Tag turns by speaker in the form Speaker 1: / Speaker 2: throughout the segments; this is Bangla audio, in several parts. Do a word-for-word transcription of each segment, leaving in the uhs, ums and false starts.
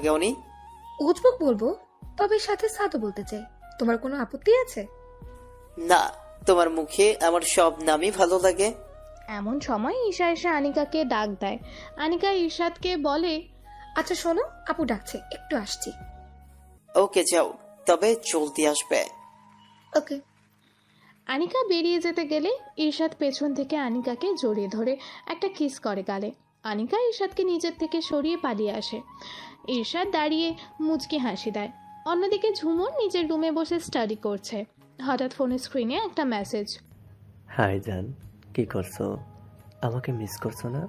Speaker 1: লাগে উনি?
Speaker 2: উজবুক বলবো, তবে সাথে সাদও বলতে চাই। তোমার কোনো আপত্তি আছে?
Speaker 1: না, তোমার মুখে আমার সব নামই ভালো লাগে।
Speaker 3: এমন সময় ঈশা এসে আনিকাকে ডাক দেয়। আনিকা ঈশাদকে বলে,
Speaker 2: আচ্ছা শোনো, আপু ডাকছে, একটু আসছি।
Speaker 1: ওকে যাও, তবে জলদি আসবে।
Speaker 2: ওকে।
Speaker 3: আনিকা বেরিয়ে যেতে গেলে ঈশাদ পেছন থেকে আনিকাকে জড়িয়ে ধরে একটা কিস করে গালে। আনিকা ঈশাদকে নিজের থেকে সরিয়ে পালিয়ে আসে। ঈশাদ দাঁড়িয়ে মুচকি হাসি দেয়। অন্যদিকে ঝুমুর নিজের রুমে বসে স্টাডি করছে। হঠাৎ ফোনের স্ক্রিনে একটা মেসেজ।
Speaker 4: হাই জান, কি করছো? আমাকে মিস করছো না?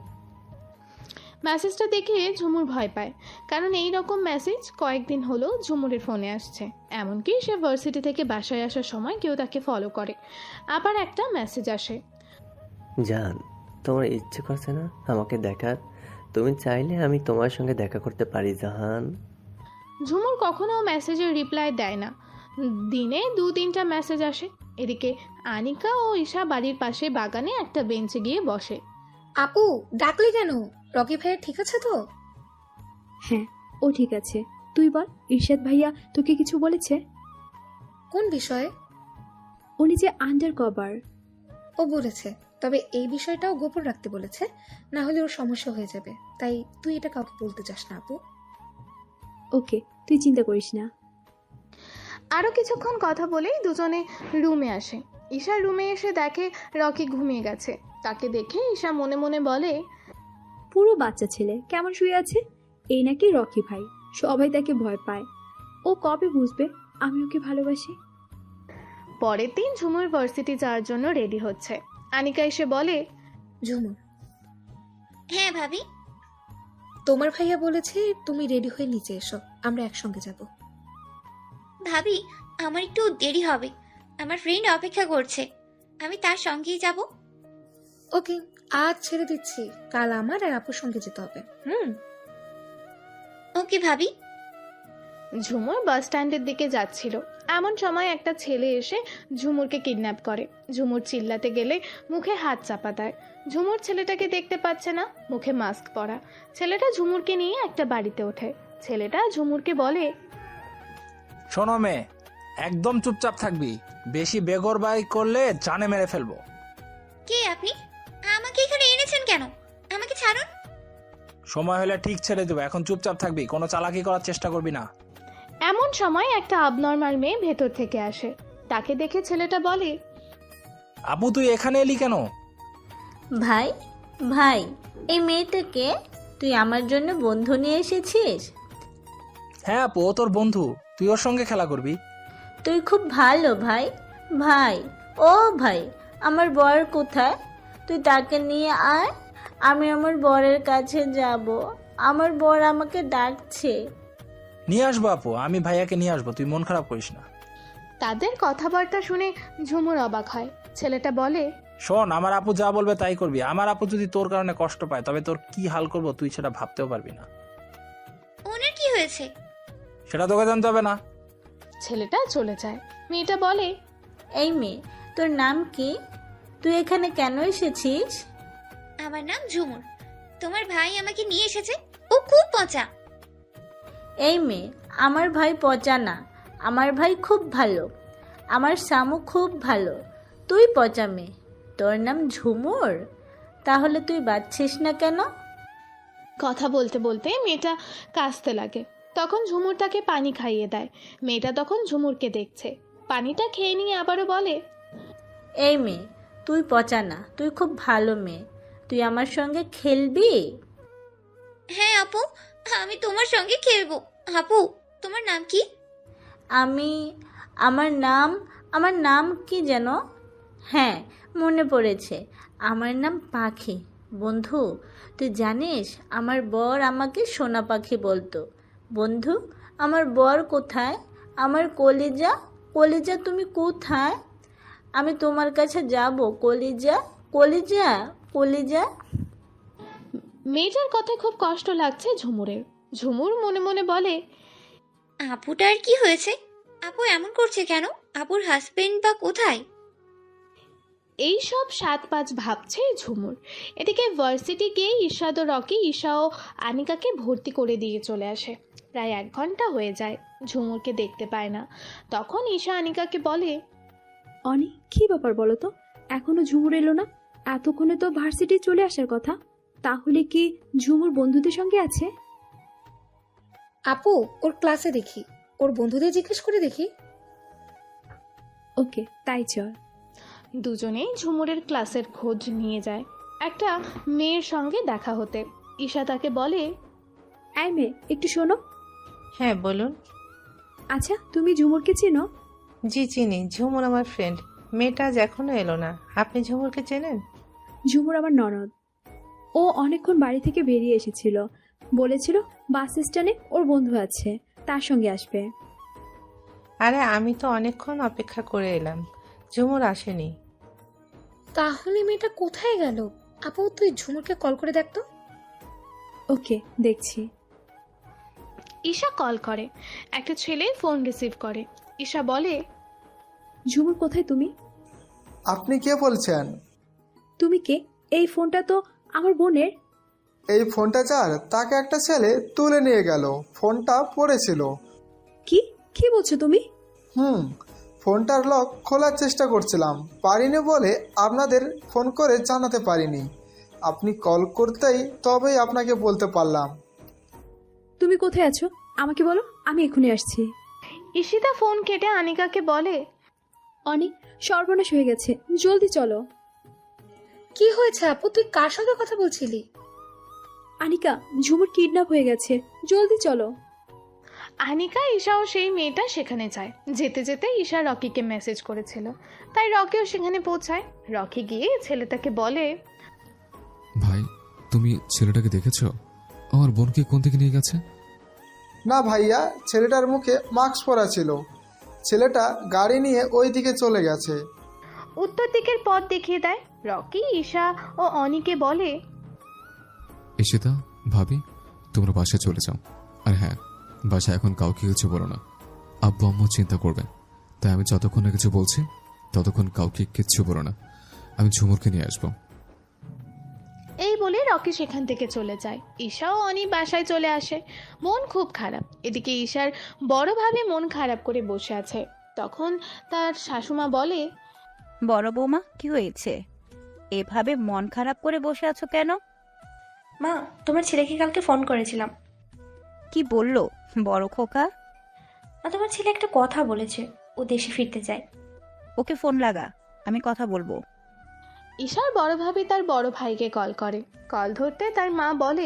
Speaker 3: মেসেজটা দেখে ঝুমুর ভয় পায়, কারণ এই রকম মেসেজ কয়েকদিন হলো ঝুমুরের ফোনে আসছে। এমনকি সে ভার্সিটি থেকে বাসায় আসার সময় কেউ তাকে ফলো করে। আবার একটা মেসেজ আসে।
Speaker 4: জান, তোমার ইচ্ছে করছে না আমাকে দেখার? তুমি চাইলে আমি তোমার সঙ্গে দেখা করতে পারি জাহান।
Speaker 3: ঝুমুর কখনো মেসেজের রিপ্লাই দেয় না। দিনে দু তিনটা মেসেজ আসে। এদিকে আনিকা ও ঈশা বাড়ির পাশে বাগানে একটা বেঞ্চে গিয়ে বসে।
Speaker 2: আপু ডাকলি কেন? রকি ভাইয়া ঠিক আছে তো?
Speaker 5: হ্যাঁ, ও ঠিক আছে। তুই বল, ইরশাদ ভাইয়া তোকে কিছু বলেছে?
Speaker 2: কোন বিষয়ে?
Speaker 5: উনি যে আন্ডার কভার।
Speaker 2: ও বলেছে, তবে এই বিষয়টাও গোপন রাখতে বলেছে, না হলে ওর সমস্যা হয়ে যাবে। তাই তুই এটা কাউকে বলতে চাস না আপু।
Speaker 5: ওকে, তুই চিন্তা করিস না।
Speaker 3: আরও কিছুক্ষণ কথা বলেই দুজনে রুমে আসে। ঈশা রুমে এসে দেখে রকি ঘুমিয়ে গেছে। তাকে দেখে ঈশা মনে মনে বলে,
Speaker 5: পুরো বাচ্চা ছেলে কেমন শুয়ে আছে। এই নাকি রকি ভাই, সবাই তাকে ভয় পায়। ও কবে বুঝবে আমি ওকে ভালোবাসি?
Speaker 3: পরের দিন ঝুমুর ভার্সিটি যাওয়ার জন্য রেডি হচ্ছে। আনিকা এসে বলে,
Speaker 2: ঝুমুর,
Speaker 6: হ্যাঁ ভাবি।
Speaker 2: তোমার ভাইয়া বলেছে তুমি রেডি হয়ে নিচে এসো, আমরা একসঙ্গে যাব।
Speaker 6: ভাবি, আমার একটু দেরি হবে, আমার ফ্রেন্ড অপেক্ষা করছে, আমি তার সঙ্গেই যাব।
Speaker 2: ওকে, আজ ছেড়ে দিচ্ছি, কাল আমার আর আপুর সঙ্গে যেতে হবে। হুম।
Speaker 6: ওকে ভাবি।
Speaker 3: ঝুমুর বাস স্ট্যান্ডের দিকে যাচ্ছিল। এমন সময় একটা ছেলে এসে ঝুমুরকে কিডন্যাপ করে। ঝুমুর চিল্লাতে গেলে মুখে হাত চাপা দেয়। ঝুমুর ছেলেটাকে দেখতে পাচ্ছে না, মুখে মাস্ক পরা। ছেলেটা ঝুমুরকে নিয়ে একটা বাড়িতে ওঠে। ছেলেটা ঝুমুরকে বলে,
Speaker 7: শোনো মেয়ে, একদম চুপচাপ থাকবি, বেশি বেগরবাই করলে জানে মেরে ফেলবো।
Speaker 6: কে আপনি? আমাকে এখানে এনেছেন কেন? আমাকে ছাড়ুন।
Speaker 7: সময় হলে ঠিক ছেড়ে দেবো, এখন চুপচাপ থাকবি, কোনো চালাকি করার চেষ্টা করবি না।
Speaker 3: এমন সময় একটা আবনর্মাল মেয়ে ভেতর থেকে আসে। তাকে দেখে ছেলেটা বলে,
Speaker 7: আপু তুই এখানে এলি কেন?
Speaker 8: ভাই ভাই এই মেয়েটাকে তুই আমার জন্য বন্ধু নিয়ে এসেছিস?
Speaker 7: হ্যাঁ আপু, ও তোর বন্ধু, তুই ওর সঙ্গে খেলা করবি।
Speaker 8: তুই খুব ভালো ভাই। ভাই, ও ভাই, আমার বর কোথায়? তুই তাকে নিয়ে আয়, আমি আমার বরের কাছে যাব। আমার বর আমাকে ডাকছে।
Speaker 7: নিয়ে আসবো আপু, আমি ভাইয়াকে নিয়ে আসবো, তুই মন খারাপ করিস না।
Speaker 3: তাদের কথাবার্তা শুনে ঝুমুর অবাক হয়। ছেলেটা বলে,
Speaker 7: শোন, আমার আপু যা বলবে তাই করবি। আমার আপু যদি তোর কারণে কষ্ট পায়, তবে তোর কি হাল করবো তুই সেটা ভাবতেও পারবি না।
Speaker 6: ওনার কি হয়েছে?
Speaker 7: সেটা তোকে জানতে হবে না।
Speaker 3: ছেলেটা চলে যায়। মেয়েটা বলে,
Speaker 8: এই মেয়ে, তোর নাম কি? তুই এখানে কেন এসেছিস?
Speaker 6: আমার নাম ঝুমুর, তোমার ভাই আমাকে নিয়ে এসেছে, ও খুব পচা।
Speaker 8: এই মেয়ে, আমার ভাই পচা না, আমার ভাই খুব ভালো। আমার সামু খুব ভালো, তুই পচা মেয়ে। তোর নাম ঝুমুর, তাহলে তুই বাঁচছিস না কেন?
Speaker 3: কথা বলতে বলতে মেয়েটা কাঁদতে লাগে। তখন ঝুমুর তাকে পানি খাইয়ে দেয়। মেয়েটা তখন ঝুমুরকে দেখছে। পানিটা খেয়ে নিয়ে আবারও বলে,
Speaker 8: এই মেয়ে, তুই পচা না, তুই খুব ভালো মেয়ে। তুই আমার সঙ্গে খেলবি?
Speaker 6: হ্যাঁ আপু, আমি তোমার সঙ্গে খেলবো। আপু, তোমার নাম কি?
Speaker 8: আমি আমার নাম আমার নাম কি যেন? হ্যাঁ, মনে পড়েছে, আমার নাম পাখি। বন্ধু, তুই জানিস আমার বর আমাকে সোনা পাখি বলতো। বন্ধু, আমার বর কোথায়? আমার কলিজা, কলিজা তুমি কোথায়? আমি তোমার কাছে যাব, কলিজা, কলিজা, কলিজা।
Speaker 3: মেয়েটার কথায় খুব কষ্ট লাগছে ঝুমুরের। ঝুমুর মনে মনে বলে,
Speaker 6: আপুটার কি হয়েছে? আপু এমন করছে কেন? আপুর হাজবেন্ড বা কোথায়?
Speaker 3: এই সব সাত পাঁচ ভাবছে ঝুমুর। এদিকে ভার্সিটি গিয়ে ঈশাদ ও রকি ঈশা ও আনিকাকে ভর্তি করে দিয়ে চলে আসে। প্রায় এক ঘন্টা হয়ে যায়, ঝুমুরকে দেখতে পায় না। তখন ঈশা আনিকাকে বলে,
Speaker 5: অনি, কি ব্যাপার বলো তো? এখনো ঝুমুর এলো না? এতক্ষণে তো ভার্সিটি চলে আসার কথা। তাহলে কি ঝুমুর বন্ধুদের সঙ্গে আছে?
Speaker 2: আপু, ওর ক্লাসে দেখি, ওর বন্ধুদের জিজ্ঞেস করে দেখি।
Speaker 5: ওকে, তাই চল।
Speaker 3: দুজনেই ঝুমুরের ক্লাসের খোঁজ নিয়ে যায় একটা মেয়ের সঙ্গে দেখা হতে। ঈশা তাকে বলে,
Speaker 5: এই মেয়ে, একটু শোনো।
Speaker 9: হ্যাঁ বলুন।
Speaker 5: আচ্ছা, তুমি ঝুমুরকে চেনো?
Speaker 9: জি চিনি, ঝুমুর আমার ফ্রেন্ড। মেয়েটা আজ এখনো এলো না। আপনি ঝুমুরকে চেনেন?
Speaker 5: ঝুমুর আমার ননদ। ও অনেকক্ষণ বাড়ি থেকে বেরিয়ে এসেছিল, বলেছিল বাস স্ট্যান্ডে ওর বন্ধু আছে, তার সঙ্গে আসবে।
Speaker 9: আরে আমি তো অনেকক্ষণ অপেক্ষা করে এলাম, ঝুমুর আসেনি।
Speaker 2: তাহলে মেয়েটা কোথায় গেল? আপু, তুই ঝুমুরকে কল করে দেখ তো।
Speaker 5: ওকে, দেখছি।
Speaker 3: ঈশা কল করে। একটা ছেলে ফোন রিসিভ করে। ঈশা বলে,
Speaker 5: ঝুমুর কোথায় তুমি?
Speaker 10: আপনি কে বলছেন?
Speaker 5: তুমি কে? এই ফোনটা তো আমার বোনের।
Speaker 10: এই ফোনটা যার, তাকে একটা ছেলে তুলে নিয়ে গেল। ফোনটা পড়েছিল।
Speaker 5: কি কি বলছো তুমি?
Speaker 10: হুম, ফোনটার লক খোলার চেষ্টা করছিলাম, পারিনি বলে আপনাদের ফোন করে জানাতে পারিনি। আপনি কল করতেই তবেই আপনাকে বলতে পারলাম।
Speaker 5: তুমি কোথায় আছো আমাকে বলো, আমি এখনই আসছি।
Speaker 3: ঈশিতা ফোন কেটে আনিকাকে বলে,
Speaker 5: অনেক সর্বনাশ হয়ে গেছে, জলদি চলো।
Speaker 2: কি হয়েছে আপু, তুই কার সঙ্গে কথা বলছিলি?
Speaker 5: আনিকা, ঝুমুর কিডন্যাপ হয়ে গেছে, জলদি চলো।
Speaker 3: আনিকা, ঈশা ও সেই মেয়েটা সেখানে যায়। যেতে যেতে ঈশা রকিকে মেসেজ করেছিল, তাই রকিও সেখানে পৌঁছায়। রকি গিয়ে ছেলেটাকে বলে,
Speaker 11: ভাই, তুমি ছেলেটাকে দেখেছো? আমার বোনকে কোন দিকে নিয়ে গেছে?
Speaker 10: না ভাইয়া, ছেলেটার মুখে মাস্ক পরা ছিল। ছেলেটা গাড়ি নিয়ে ওই দিকে চলে গেছে।
Speaker 3: উত্তর দিকের পথ দেখিয়ে দেয়। রকি ঈশা ও অনিকে বলে,
Speaker 11: ঈশিতা, ভাবি, তোমরা বাসায় চলে যাও। আর হ্যাঁ, বাসায় এখন কাউকে কিছু বলো না, আব্বু আম্মু চিন্তা করবে। তাই আমি যতক্ষণ না কিছু বলছি ততক্ষণ কাউকে কিচ্ছু বলো না। আমি ঝুমুরকে নিয়ে আসবো।
Speaker 3: এই বলে রকি সেখান থেকে চলে যায়। ঈশা ও অনি বাসায় চলে আসে। মন খুব খারাপ। এদিকে ঈশার বড় ভাবে মন খারাপ করে বসে আছে। তখন তার শাশুমা বলে,
Speaker 12: বড় বৌমা, কি হয়েছে? এভাবে মন খারাপ করে বসে আছো কেন?
Speaker 6: মা, তোমার ছেলেকে কালকে ফোন করেছিলাম।
Speaker 12: কি বললো বড় খোকা?
Speaker 6: মা, তোমার ছেলে একটা কথা বলেছে, ও দেশে ফিরতে চায়।
Speaker 12: ওকে ফোন লাগা, আমি কথা বলবো।
Speaker 3: ঈশার বড় ভাবি তার বড় ভাইকে কল করে। কল ধরতে তার মা বলে,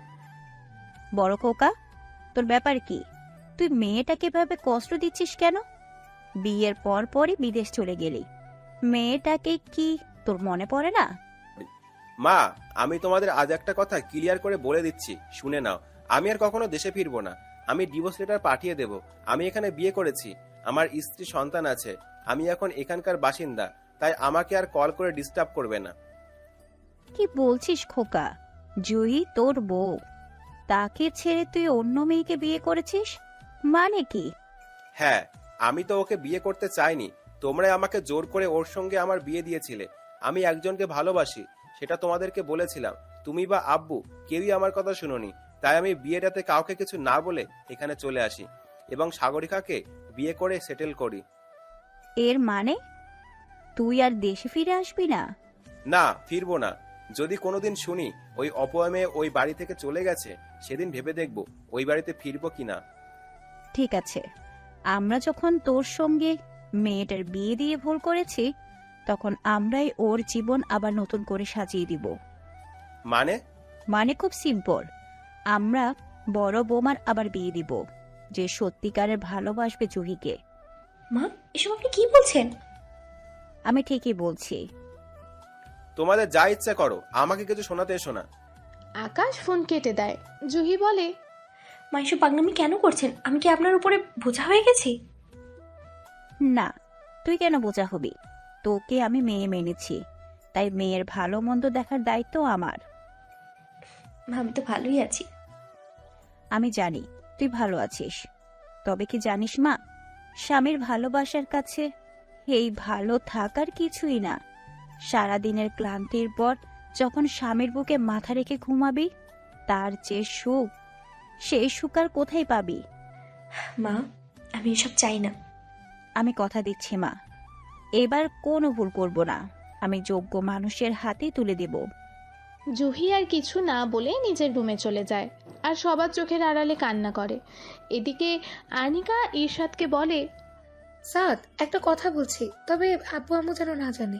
Speaker 12: বড় খোকা, তোর ব্যাপার কি? তুই মেয়েটাকে ভাবে কষ্ট দিচ্ছিস কেন? বিয়ের পর পরই বিদেশ চলে গেলি, মেয়েটাকে কি তোর মনে পড়ে না?
Speaker 13: মা, আমি তোমাদের আজ একটা কথা ক্লিয়ার করে বলে দিচ্ছি, শুনে নাও। আমি আর কখনো দেশে ফিরবো না। আমি ডিভোর্স লেটার পাঠিয়ে দেব। আমি এখানে বিয়ে করেছি, আমার স্ত্রী সন্তান আছে। আমি এখন এখানকার বাসিন্দা, তাই আমাকে আর কল করে ডিস্টার্ব করবে না।
Speaker 12: কি বলছিস খোকা? জুহি তোর বউ, তাকে ছেড়ে তুই অন্য মেয়েকে বিয়ে করেছিস, মানে কি?
Speaker 13: হ্যাঁ, আমি তো ওকে বিয়ে করতে চাইনি, তোমরাই আমাকে জোর করে ওর সঙ্গে আমার বিয়ে দিয়েছিলে। আমি একজনকে ভালোবাসি, সেটা তোমাদেরকে বলেছিলাম। তুমি বা আব্বু কেউই আমার কথা শুনোনি, তাই আমি বিয়েটাতে কাউকে কিছু না বলে এখানে চলে আসি এবং সাগরিকাকে বিয়ে করে সেটেল করি।
Speaker 12: এর মানে তুই আর দেশে ফিরে আসবি না?
Speaker 13: না, ফিরবো না। যদি কোনোদিন শুনি ওই অপয়া মেয়ে ওই বাড়ি থেকে চলে গেছে, সেদিন ভেবে দেখবো ওই বাড়িতে ফিরবো কিনা।
Speaker 12: ঠিক আছে, আমরা যখন তোর সঙ্গে মেয়েটার বিয়ে দিয়ে ভুল করেছি, তখন আমরাই ওর জীবন আবার নতুন করে সাজিয়ে দিব।
Speaker 13: মানে?
Speaker 12: মানে খুব সিম্পল, আমরা বড় বৌমার আবার বিয়ে দিব, যে সত্যিকারের ভালোবাসবে জুহিকে।
Speaker 6: মা, এসব আপনি কি বলছেন?
Speaker 12: আমি ঠিকই বলছি।
Speaker 13: তোমাদের যা ইচ্ছা করো, আমাকে কিছু শোনাতে এসো না।
Speaker 3: আকাশ ফোন কেটে দেয়। জুহি বলে,
Speaker 6: মা, এসব পাগলামি কেন করছেন? আমি কি আপনার উপরে বোঝা হয়ে গেছি?
Speaker 12: না, তুই কেন বোঝা হবি? তোকে আমি মেয়ে মেনেছি, তাই মেয়ের ভালো মন্দ দেখার দায়িত্ব আমার।
Speaker 6: মা, আমি তো ভালোই আছি।
Speaker 12: আমি জানি তুই ভালো আছিস, তবে কি জানিস মা, স্বামীর ভালোবাসার কাছে এই ভালো থাকার কিছুই না। সারাদিনের ক্লান্তির পর যখন স্বামীর বুকে মাথা রেখে ঘুমাবি, তার যে সুখ সেই সুখ আর কোথায় পাবি?
Speaker 14: মা, আমি এসব চাই না।
Speaker 12: আমি কথা দিচ্ছি মা, এবার কোনো ভুল করব না। আমি যোগ্য মানুষের হাতে তুলে দেব।
Speaker 3: জুহি আর কিছু না বলে নিজের রুমে চলে যায় আর সবার চোখের আড়ালে কান্না করে। এদিকে আনিকা ইরশাদকে বলে,
Speaker 2: সাদ, একটা কথা বলছি, তবে আব্বু আম্মু যেন না জানে।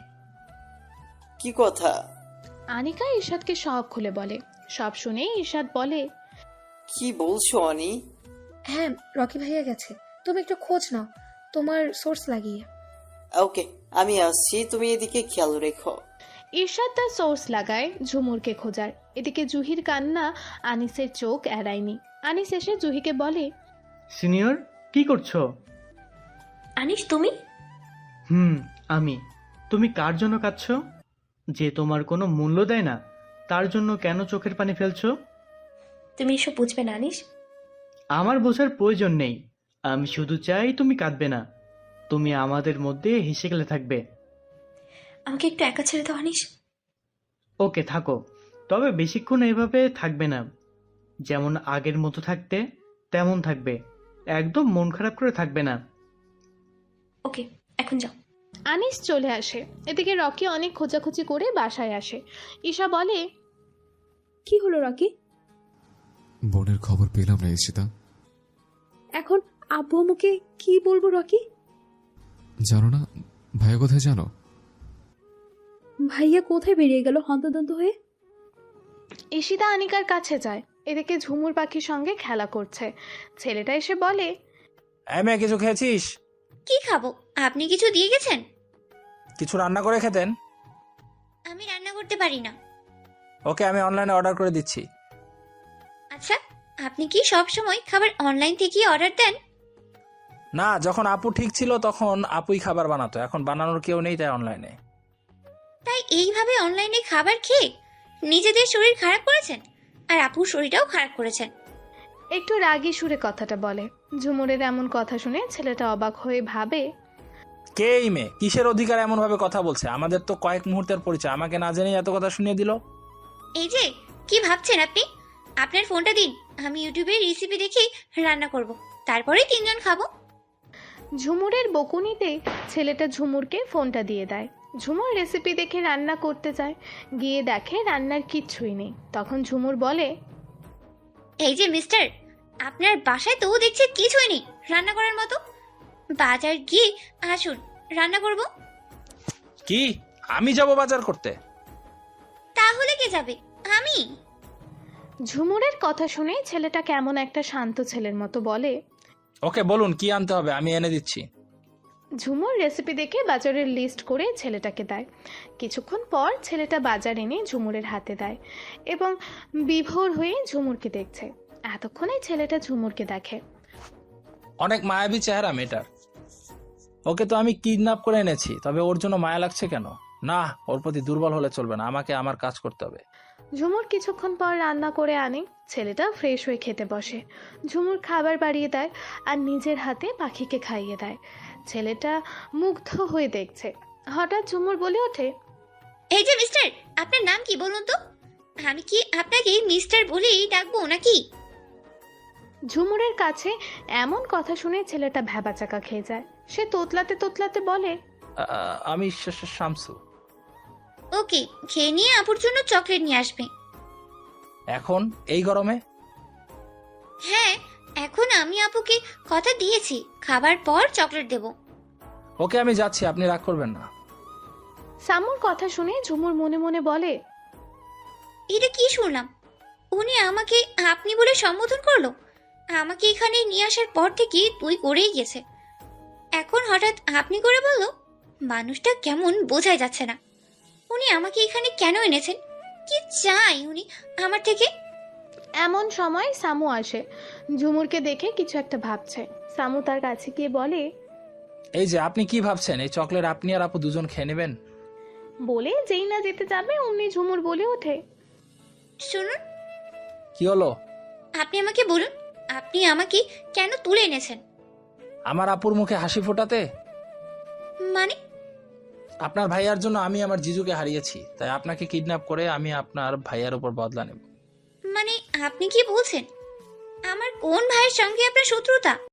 Speaker 1: কি কথা?
Speaker 3: আনিকা ইরশাদকে সব খুলে বলে। সব শুনে ইরশাদ বলে,
Speaker 1: কি বলছো আনি?
Speaker 2: হ্যাঁ, রকি ভাইয়া গেছে, তুমি একটু খোঁজ নাও তোমার সোর্স লাগিয়ে।
Speaker 1: ওকে, আমি আসছি, তুমি এদিকে খেয়াল রেখো।
Speaker 3: ইরশাদ তার সোর্স লাগায় ঝুমুরকে খোঁজার। এদিকে জুহির কান্না আনিসের চোখ এড়ায়নি। আনিস এসে জুহিকে বলে,
Speaker 15: সিনিয়র কি করছো?
Speaker 14: আনিস, তুমি?
Speaker 15: হুম, আমি। তুমি কার জন্য কাঁদছো? যে তোমার কোনো মূল্য দেয় না, তার জন্য কেন চোখের পানি ফেলছো?
Speaker 14: তুমি এসব বুঝবে না আনিস।
Speaker 15: আমার বোঝার প্রয়োজন নেই। আমি শুধু চাই তুমি কাঁদবে না, তুমি আমাদের মধ্যে হেসে গেলে থাকবে।
Speaker 14: আমাকে একটু একা ছেড়ে দাও আনিস।
Speaker 15: ওকে, থাকো, তবে বেশিক্ষণ এভাবে থাকবে না। যেমন আগের মতো থাকতে তেমন থাকবে, একদম মন খারাপ করে থাকবে না।
Speaker 14: ওকে, এখন যাও।
Speaker 3: আনিস চলে আসে। এদিকে রকি অনেক খোঁজাখুঁজি করে বাসায় আসে। ঈশা বলে,
Speaker 5: কি হলো রকি?
Speaker 11: বোনের খবর পেলাম না ঈশিতা।
Speaker 5: এখন আব্বু আম্মুকে কি বলবো রকি?
Speaker 11: জানো না ভাইয়া কোথায় জানো?
Speaker 5: ভাইয়া কোথায় বেরিয়ে গেল হন্তদন্ত হয়ে?
Speaker 3: ঈশিতা আনিকার কাছে যায়। এদিকে ঝুমুর পাখির সঙ্গে খেলা করছে। ছেলেটা এসে বলে,
Speaker 7: এমএ কিছু খেয়েছিস?
Speaker 6: কি খাবো? আপনি কিছু দিয়ে গেছেন?
Speaker 7: কিছু রান্না করে খেতেন?
Speaker 6: আমি রান্না করতে পারি না।
Speaker 7: ওকে, আমি অনলাইনে অর্ডার করে দিচ্ছি।
Speaker 6: আচ্ছা, আপনি কি সব সময় খাবার অনলাইন থেকেই অর্ডার দেন?
Speaker 7: না, যখন আপু ঠিক ছিল তখন আপুই খাবার বানাতো, এখন বানানোর কেউ নেই, তাই অনলাইনে।
Speaker 6: তাই এইভাবে অনলাইনে খাবার খেয়ে নিজেদের শরীর খারাপ করেছেন, আর আপুর শরীরটাও খারাপ করেছেন।
Speaker 3: একটু রাগী সুরে কথাটা বলে। ঝুমুরের এমন কথা শুনে ছেলেটা অবাক হয়ে ভাবে,
Speaker 7: কে এই মেয়ে? কিসের অধিকার এমন ভাবে কথা বলছে? আমাদের তো কয়েক মুহূর্তের পরিচয়, আমাকে না জেনে এত কথা শুনিয়ে দিল।
Speaker 6: এই যে কি ভাবছেন আপনি? আপনার ফোনটা দিন, আমি ইউটিউবে রেসিপি দেখে রান্না করব, তারপরে তিনজন খাবো।
Speaker 3: ঝুমুরের বকুনিতে ছেলেটা ঝুমুরকে ফোনটা দিয়ে দেয়। ঝুমুর রেসিপি দেখে রান্না করতে যায়, গিয়ে দেখে রান্নার কিচ্ছুই নেই। তখন ঝুমুর বলে,
Speaker 6: এই যে মিস্টার, আপনার বাসায় তো দেখছি কিছুই নেই রান্না করার মতো। বাজার গিয়ে আসুন, রান্না করব।
Speaker 7: কি আমি যাব বাজার করতে?
Speaker 6: তাহলে কে যাবে? আমি।
Speaker 3: ঝুমুরের কথা শুনে ছেলেটা কেমন একটা শান্ত ছেলের মতো বলে,
Speaker 7: ওকে বলুন কি আনতে হবে, আমি এনে দিচ্ছি।
Speaker 3: ঝুমুর রেসিপি দেখে বাজারের লিস্ট করে ছেলেটাকে দেয়। কিছুক্ষণ পর ছেলেটা বাজার এনে ঝুমুরের হাতে দেয় এবং বিভোর হয়ে ঝুমুরকে দেখছে। এতক্ষণে ছেলেটা ঝুমুরকে দেখে।
Speaker 7: অনেক মায়াবী চেহারা মেয়েটার। ওকে তো আমি কিডন্যাপ করে এনেছি, তবে ওর জন্য মায়া লাগছে কেন? না, ওর প্রতি দুর্বল হলে চলবে না, আমাকে আমার কাজ করতে হবে।
Speaker 3: ঝুমুর কিছুক্ষণ পর রান্না করে আনে। ছেলেটা ফ্রেশ হয়ে খেতে বসে। ঝুমুর খাবার বাড়িয়ে দেয় আর নিজের হাতে পাখিকে খাইয়ে দেয়। ছেলেটা মুগ্ধ হয়ে দেখছে। হঠাৎ ঝুমুর বলে ওঠে,
Speaker 6: এই যে মিস্টার, আপনার নাম কি বলুন তো? আমি কি আপনাকে মিস্টার বলেই ডাকবো নাকি?
Speaker 3: ঝুমুরের কাছে এমন কথা শুনে ছেলেটা ভ্যাবাচাকা খেয়ে যায়। সে তোতলাতে তোতলাতে বলে,
Speaker 7: আ- আমি শ- শ- শামসু।
Speaker 6: ওকে, খেয়ে নিয়ে আপুর জন্য চকলেট নিয়ে আসবে।
Speaker 7: এখন এই গরমে?
Speaker 6: হ্যাঁ, এখন আমি আপুকে কথা দিয়েছি, খাবার পর চকলেট দেব।
Speaker 7: ওকে, আমি যাচ্ছি, আপনি রাগ করবেন না।
Speaker 3: সামুর কথা শুনে ঝুমুর মনে মনে বলে,
Speaker 6: এটা কি শুনলাম? উনি আমাকে আপনি বলে সম্বোধন করলো। আমাকে এখানে নিয়ে আসার পর থেকে তুই করেই গেছে, এখন হঠাৎ আপনি করে বললো। মানুষটা কেমন বোঝাই যাচ্ছে না। উনি আমাকে এখানে কেন এনেছেন? কি চাই উনি আমার থেকে?
Speaker 3: এমন সময় সামু আসে। ঝুমুরকে দেখে কিছু একটা ভাবছে। সামু তার কাছে গিয়ে বলে,
Speaker 7: এই যে আপনি কি ভাবছেন, এই চকলেট আপনি আর আপু দুজন খেয়ে নেবেন?
Speaker 3: বলে যেই না যেতে যাবে অমনি ঝুমুর বলে ওঠে,
Speaker 6: শুনুন,
Speaker 7: কি হলো?
Speaker 6: আপনি আমাকে বলুন, আপনি আমাকে কেন তুলে এনেছেন?
Speaker 7: আমার আপুর মুখে হাসি ফোটাতে?
Speaker 6: মানে?
Speaker 7: আপনার ভাইয়ার জন্য আমি আমার জিজুকে হারিয়েছি, তাই আপনাকে কিডন্যাপ করে আমি আপনার ভাইয়ার উপর বদলা নেব।
Speaker 6: মানে আপনি কি বলছেন? আমার কোন ভাইয়ের সঙ্গে আপনার শত্রুতা?